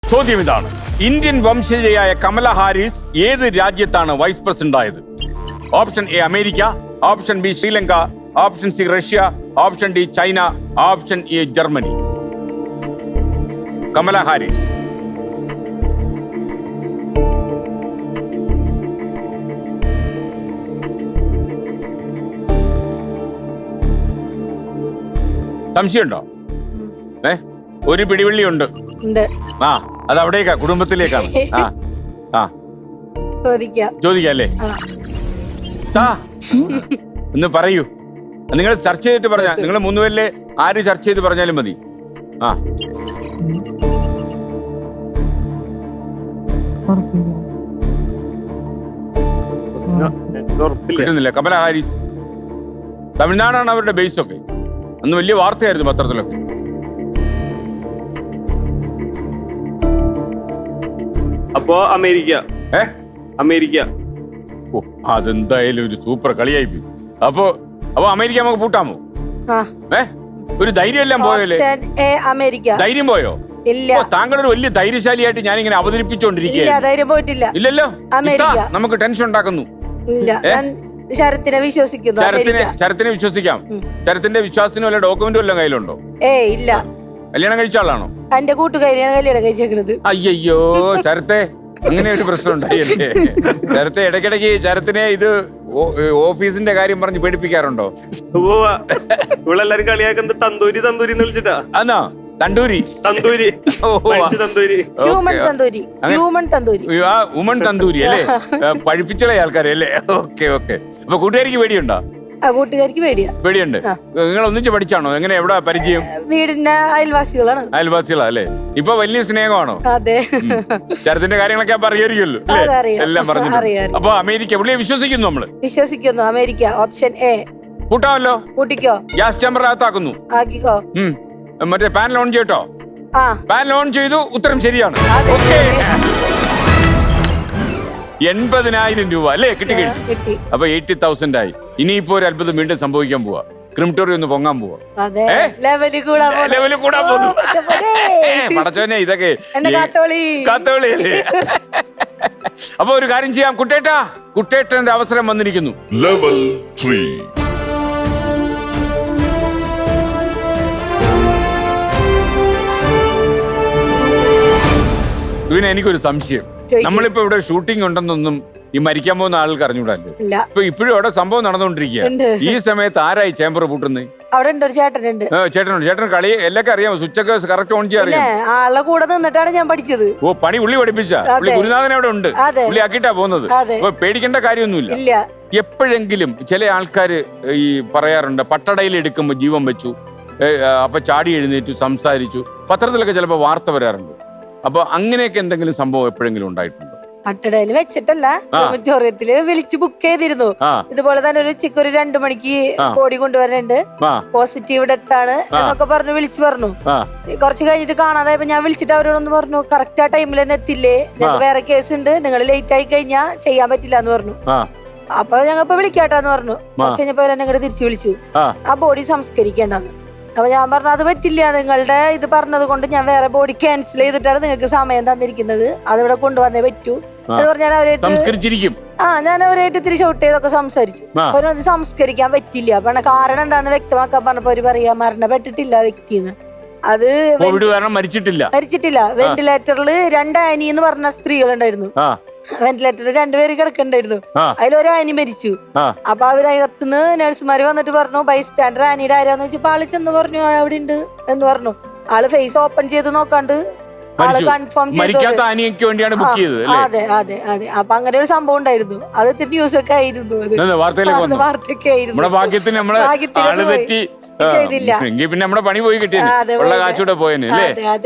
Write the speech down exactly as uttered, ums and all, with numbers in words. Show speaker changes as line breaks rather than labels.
ചോദ്യം ഇതാണ്. Indian വംശജയായ Kamala Harris ഏത് രാജ്യത്താണ് വൈസ് പ്രസിഡന്റ് ആയത്? Option A America, option B Sri Lanka, option C Russia, option D China, option A Germany. Kamala Harris. സംശയമുണ്ടോ? ഏ ഒരു പിടിവള്ളി ഉണ്ട്. ആ അത് അവിടേക്കാ, കുടുംബത്തിലേക്കാണ്. ആ ആ
ചോദിക്കാം
ചോദിക്കല്ലേ? ഒന്ന് പറയൂ. നിങ്ങൾ ചർച്ച ചെയ്തിട്ട് പറഞ്ഞ നിങ്ങൾ മൂന്നുപേരിലെ ആര് ചർച്ച ചെയ്ത് പറഞ്ഞാലും മതി. ആ കിട്ടുന്നില്ല. കമല ഹാരിസ് തമിഴ്നാടാണ് അവരുടെ ബേസ് ഒക്കെ. അന്ന് വലിയ വാർത്തയായിരുന്നു പത്രത്തിലൊക്കെ.
അപ്പോ അമേരിക്ക.
ഏ
അമേരിക്ക.
ഓ അതെന്തായാലും ഒരു സൂപ്പർ കളിയായി പോയി. അപ്പൊ അപ്പൊ അമേരിക്ക നമുക്ക് പൂട്ടാമോ? ഏ ഒരു ധൈര്യം എല്ലാം പോയല്ലേ?
അമേരിക്ക.
ധൈര്യം പോയോ?
ഇല്ല.
താങ്കളൊരു വലിയ ധൈര്യശാലിയായിട്ട് ഞാൻ ഇങ്ങനെ അവതരിപ്പിച്ചോണ്ടിരിക്കുകയാണ്. ഇല്ലല്ലോ. നമുക്ക് ടെൻഷൻ ഉണ്ടാക്കുന്നു.
ശരത്തിനെ വിശ്വസിക്കുന്നു.
ശരത്തിനെ ശരത്തിനെ വിശ്വസിക്കാം. ശരത്തിന്റെ വിശ്വാസത്തിന് വല്ല ഡോക്യുമെന്റ് വല്ല കയ്യിലുണ്ടോ?
ഏ ഇല്ല.
കല്യാണം കഴിച്ച ആളാണോ?
എന്റെ കൂട്ടുകാരിയാണ് കല്യാണം കഴിച്ചേക്കുന്നത്.
അയ്യോ ശരത്തെ, അങ്ങനെ ഒരു പ്രശ്നം ഉണ്ടായില്ലേ? ശരത്തെ ഇടയ്ക്കിടയ്ക്ക് ശരത്തിനെ ഇത് ഓഫീസിന്റെ കാര്യം പറഞ്ഞ് പേടിപ്പിക്കാറുണ്ടോ?
ഇവളെല്ലാരും കളിയാക്കുന്നത് തന്തൂരി തന്തൂരി എന്ന് വിളിച്ചിട്ടാ.
അന്നാ tandoori
tandoori tandoori
human tandoori human tandoori
woman tandoori അല്ലേ? പഴിപ്പിച്ചുള്ള ആൾക്കാരെ അല്ലേ? Okay okay. അപ്പൊ കൂട്ടുകാരിക്ക് പേടിയുണ്ടോ?
കൂട്ടുകാരിക്ക് പേടിയാ.
പേടിയുണ്ട്. നിങ്ങൾ ഒന്നിച്ച് പഠിച്ചാണോ? എങ്ങനെ എവിടെ പരിചയം?
വീടിന്റെ അയൽവാസികളാണ്.
അയൽവാസികളാ അല്ലേ? ഇപ്പൊ വലിയ സ്നേഹമാണോ?
അതെ.
ശരത്തിന്റെ കാര്യങ്ങളൊക്കെ അറിയായിരിക്കുമല്ലോ എല്ലാം പറഞ്ഞു. അപ്പൊ അമേരിക്ക പുള്ളിയെ വിശ്വസിക്കുന്നു നമ്മള്.
വിശ്വസിക്കുന്നു. അമേരിക്ക. Option A.
കൂട്ടാമല്ലോ.
കൂട്ടിക്കോ.
ഗ്യാസ് ചേമ്പറിനകത്താക്കുന്നു.
ആക്കിക്കോ.
മറ്റേ പാൻ ലോൺ ചെയ്യട്ടോ. പാൻ ലോൺ ചെയ്തു. ഉത്തരം ശരിയാണ്. ഓക്കെ. എൺപതിനായിരം രൂപ അല്ലേ കിട്ടി കഴിഞ്ഞു. അപ്പൊ എയ്റ്റി തൗസൻഡ് ആയി. ഇനിയിപ്പോ ഒരു അത്ഭുതം വീണ്ടും സംഭവിക്കാൻ പോവാ. ക്രിമിറ്റോറി ഒന്ന് പൊങ്ങാൻ പോവാ. ലെവല് കൂടാൻ പോകുന്നു. പടച്ചോനെ ഇതൊക്കെ കാത്തോളി അല്ലേ? അപ്പൊ ഒരു കാര്യം ചെയ്യാം. കുട്ടേട്ടാ, കുട്ടേട്ടന്റെ അവസരം വന്നിരിക്കുന്നു.
Level three.
പിന്നെ എനിക്കൊരു സംശയം. നമ്മളിപ്പോ ഇവിടെ ഷൂട്ടിംഗ് ഉണ്ടെന്നൊന്നും ഈ മരിക്കാൻ പോകുന്ന ആൾക്ക് അറിഞ്ഞൂടല്ലോ. ഇപ്പൊ ഇപ്പോഴും അവിടെ സംഭവം നടന്നുകൊണ്ടിരിക്കുക. ഈ സമയത്ത് ആരായി ചേമ്പർ പൂട്ടുന്നത്?
അവിടെ ഉണ്ട് ഒരു ചേട്ടനുണ്ട്.
ചേട്ടനുണ്ട്. ചേട്ടൻ കളി എല്ലാവർക്കും അറിയാമോ? സ്വിച്ച് ഒക്കെ കറക്റ്റ് ഓൺ ചെയ്യാൻ അറിയാം.
ആളെ കൂടെ നിന്നിട്ടാണ് ഞാൻ പഠിച്ചത്.
ഓ പണി ഉള്ളി പഠിപ്പിച്ച പുള്ളി ഗുരുനാഥൻ അവിടെ ഉണ്ട്. പുള്ളി ആക്കിയിട്ടാ പോകുന്നത്. അപ്പൊ പേടിക്കേണ്ട കാര്യമൊന്നുമില്ല. എപ്പോഴെങ്കിലും ചില ആൾക്കാര് ഈ പറയാറുണ്ട് പട്ടടയിൽ എടുക്കുമ്പോ ജീവൻ വെച്ചു, അപ്പൊ ചാടി എഴുന്നേറ്റു, സംസാരിച്ചു. പത്രത്തിലൊക്കെ ചിലപ്പോ വാർത്ത വരാറുണ്ട്. അപ്പൊ അങ്ങനെയൊക്കെ എന്തെങ്കിലും സംഭവം എപ്പോഴെങ്കിലും ഉണ്ടായിട്ടുണ്ടോ?
പട്ടടയിൽ വെച്ചിട്ടല്ല, ഓഡിറ്റോറിയത്തില് വിളിച്ച് ബുക്ക് ചെയ്തിരുന്നു. ഇതുപോലെ തന്നെ ഒരു ഉച്ചക്ക് ഒരു രണ്ടു മണിക്ക് ബോഡി കൊണ്ടുവരുന്നുണ്ട്, പോസിറ്റീവ് ഡെത്ത് ആണ് എന്നൊക്കെ പറഞ്ഞു വിളിച്ചു പറഞ്ഞു. കുറച്ച് കഴിഞ്ഞിട്ട് കാണാതായപ്പോ ഞാൻ വിളിച്ചിട്ട് അവരോടൊന്ന് പറഞ്ഞു കറക്റ്റ് ആ ടൈമിൽ തന്നെ എത്തില്ലേ, ഞങ്ങൾക്ക് വേറെ കേസ് ഉണ്ട്, നിങ്ങൾ ലേറ്റ് ആയി കഴിഞ്ഞാൽ ചെയ്യാൻ പറ്റില്ല എന്ന് പറഞ്ഞു. അപ്പൊ ഞങ്ങൾ ഇപ്പൊ വിളിക്കാട്ടാന്ന് പറഞ്ഞു. കുറച്ച് കഴിഞ്ഞപ്പോ അവരെന്നെ ഇങ്ങോട്ട് തിരിച്ചു വിളിച്ചു, ആ ബോഡി സംസ്കരിക്കേണ്ടെന്ന്. അപ്പൊ ഞാൻ പറഞ്ഞു അത് പറ്റില്ല, നിങ്ങളുടെ ഇത് പറഞ്ഞത് കൊണ്ട് ഞാൻ വേറെ ബോഡി ക്യാൻസൽ ചെയ്തിട്ടാണ് നിങ്ങൾക്ക് സമയം തന്നിരിക്കുന്നത്, അതിവിടെ കൊണ്ടുവന്നേ പറ്റൂ എന്ന് പറഞ്ഞാൽ അവരായിട്ട് ആ ഞാൻ അവരായിട്ട് ഇത്തിരി ഷോട്ട് ചെയ്തൊക്കെ സംസാരിച്ചു. അവരത് സംസ്കരിക്കാൻ പറ്റില്ല. അപ്പൊ കാരണം എന്താന്ന് വ്യക്തമാക്കാൻ പറഞ്ഞപ്പോ അവര് പറയാ മരണപ്പെട്ടിട്ടില്ല വ്യക്തിന്ന്. അത്
മരിച്ചിട്ടില്ല
മരിച്ചിട്ടില്ല വെന്റിലേറ്ററിൽ രണ്ട് ആനി എന്ന് പറഞ്ഞ സ്ത്രീകളുണ്ടായിരുന്നു. വെന്റിലേറ്ററിൽ രണ്ടുപേര് കിടക്കണ്ടായിരുന്നു. അതിലൊരു ആനി മരിച്ചു. അപ്പൊ അവരകത്തുനിന്ന് നഴ്സുമാര് വന്നിട്ട് പറഞ്ഞു ബൈ സ്റ്റാൻഡർ ആനിയുടെ ആരാന്ന് വെച്ചപ്പോ ആള് ചെന്ന് പറഞ്ഞു അവിടെ ഉണ്ട് എന്ന് പറഞ്ഞു. ആള് ഫേസ് ഓപ്പൺ ചെയ്ത് നോക്കാണ്ട് ആള് കൺഫേം ചെയ്തു. അതെ അതെ അതെ. അപ്പൊ അങ്ങനെ ഒരു സംഭവം ഉണ്ടായിരുന്നു. അത് ഇത്തിരി ന്യൂസ് ഒക്കെ ആയിരുന്നു. വാർത്തയൊക്കെ ആയിരുന്നു.
ചെയ്തില്ല. പിന്നെ നമ്മുടെ പണി പോയി കിട്ടിയത്.